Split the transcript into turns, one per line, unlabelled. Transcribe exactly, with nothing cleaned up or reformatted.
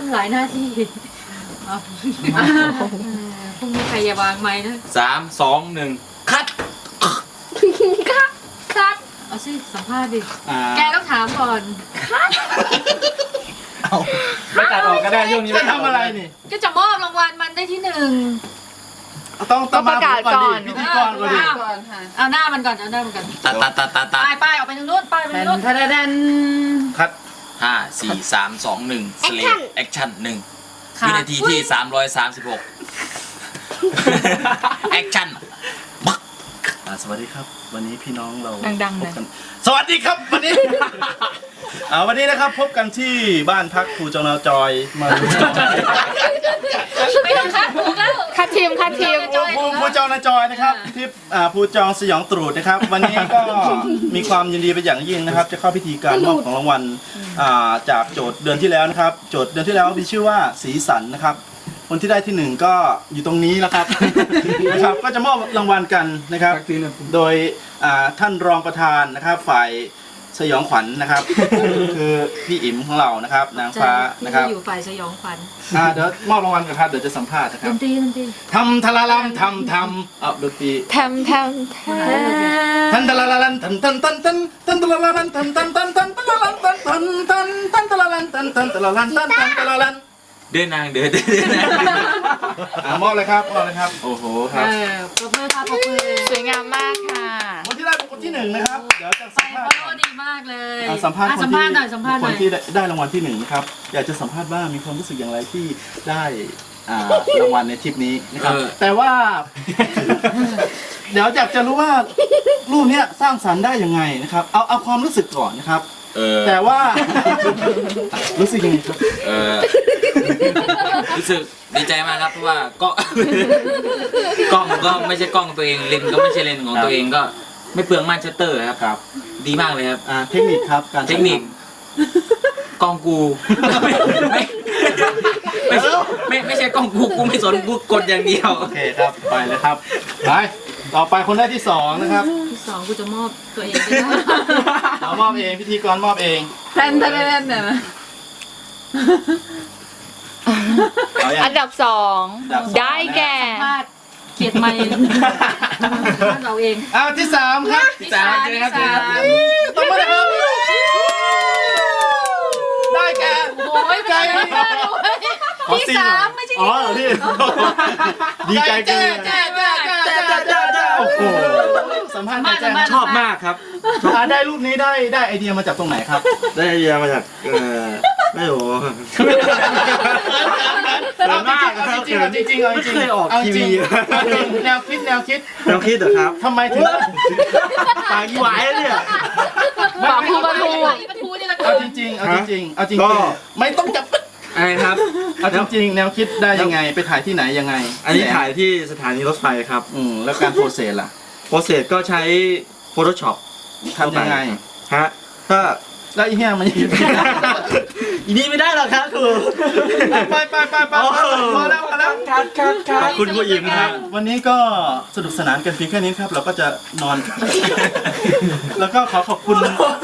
ำหลายหน้าที่พรุ่งนี้ใครอย่าวางไม้นะ
สามสองหนึ่งคัด
คัดคัดเอาสิสัมภาษณ์ดิแกต้องถามก่อนคัด
เอาไม่ตัดออกก็ได้ช่วงนี้ไม่ทำอะไรนี่
ก็จะมอบรางวัลมันได้ที่หนึ่ง
ต้องต้องประกาศก่อนพิธีกรก่อนดิ
เอาหน้ามันก่อนเอาหน้ามันก่อน
ตัดตัดตัดตัดตัด
ป้ายป้ายออกไปทางนู้นป้ายไปทางนู้น
ทัดดันคัด
ห้าสี่สามสองหนึ่งสเลปแอคชั่นหนึ่งวินาทีที่สามร้อยสามสิบหกแอคชั่น
สวัสดีครับวันนี้พี่น้องเรา
ดังๆเลย
สวัสดีครับวันนี้วันนี้นะครับพบกันที่บ้านพักครูจงนาจอยมา
ไม่ต้องคัดถูกแล้ว
คัดทีมคัดทีม
ครูครูจงนาจอยนะครับที่ครูจองสยองตรูดนะครับวันนี้ก็มีความยินดีเป็นอย่างยิ่งนะครับจะเข้าพิธีการมอบของรางวัลจากโจทย์เดือนที่แล้วนะครับโจทย์เดือนที่แล้วมีชื่อว่าสีสันนะครับคนที่ได้ที่หนึ่งก็อยู่ตรงนี้แล้วครับนะครับก็จะมอบรางวัลกันนะครับโดยท่านรองประธานนะครับฝ่ายสยองขวัญนะครับคือพี่อิ๋มของเรานะครับนางฟ้านะครับ
อยู่ฝ่ายสยองขวัญ
เดี๋ยวมอบรางวัลกันครับเดี๋ยวจะสัมภาษณ์นะครับ
ดนตรีดนตรี
ทำทาราลัมทำทำเอาดนตรี
ทำทำทำ
ทันทาราลันทันทันทันทันทันทาราลันทันทันทันทันทาราลันทันทันทันทันทาราลันทันทันทาราลันทันทันทาราลัน
เดินนางเดินเดินน
างมอบเลยครับมอบเลยครับโอ้โหครับ
ปรบมือครับปรบมือ
สวยงามมากค่ะ
คนที่ได้เป็นคนที่หนึ่งนะครับเดี๋ยวจะสัมภาษณ์
ดีมากเลย
สัมภาษณ์
สัมภาษณ์หน่อยสัมภาษณ์หน่อย
คนที่ได้รางวัลที่หนึ่งนะครับอยากจะสัมภาษณ์ว่ามีความรู้สึกอย่างไรที่ได้รางวัลในทริปนี้นะครับแต่ว่าเดี๋ยวอยากจะรู้ว่ารูปนี้สร้างสรรค์ได้ยังไงนะครับเอาเอาความรู้สึกก่อนนะครับแต่ว่ารู้สึกยังไงครับ
รู้สึกดีใจมากครับเพราะว่าก็กล้องก็ไม่ใช่กล้องตัวเองเลนก็ไม่ใช่เลนของตัวเองก็ไม่เปลืองม่านชัตเตอร์ครับครับดีมากเลยครับ
เทคนิคครับการ
เทคนิคกล้องกูไม่ไม่ไม่ใช่กล้องกูกูไม่สนกูกดอย่างเดียว
โอเคครับไปเลยครับไปต่อไปคนได้ที่สองนะครับ
ที่สองกูจะมอบตัวเอง
เอามอบเองพิธีกรมอบเอง
แทนแทนแทนเนี่ยนะอันดับสองได้แก่
เขียดไม่เราเอง
อ้าวที่สามครับ
ที่สามเลยครับ
ต้องมาเลยครับได้แก่
โอ้ยใจที่สามไม่ใช่
อ๋อเหรอพี่ดีใจเกิน
แจ้แจ้แจ้แจ้แจ้แจ้แจ้
โอ้โหสัมภาษณ์แจ้
ชอบมากครับ
ได้รูปนี้ได้ได้ไอเดียมาจากตรงไหนครับ
ได้ไอเดียมาจากเออไม่รู้
เอาจริงจริงจริงเอาจริง
ไม่เคยออกทีวี
แนวคิดแนวคิด
แนวคิดเหรอครับ
ทำไมถึง
ปากยี่หวายเนี่ย
ปากพูดประตู
เอาจริงเอาจริงเอาจริงไม่ต้องจับ
อะไรครับ
เอาจริงแนวคิดได้ยังไงไปถ่ายที่ไหนยังไง
อันนี้ถ่ายที่สถานีรถไฟครับ
อืมแล้วการโปรเซสล่ะ
โปรเซสก็ใช้ Photoshop
ทำยังไง
ฮะก็
แล้วอีเหี้ยมันยัง
อีนี่ไม่ได้หรอกครับครู
ไปไปไปไปพอแล้วพอแล้ว
คัดคัดคัดขอบคุณผู้หญิงครับ
วันนี้ก็สนุกสนานกันเพียงแค่นี้ครับเราก็จะนอนแล้วก็ขอขอบคุณ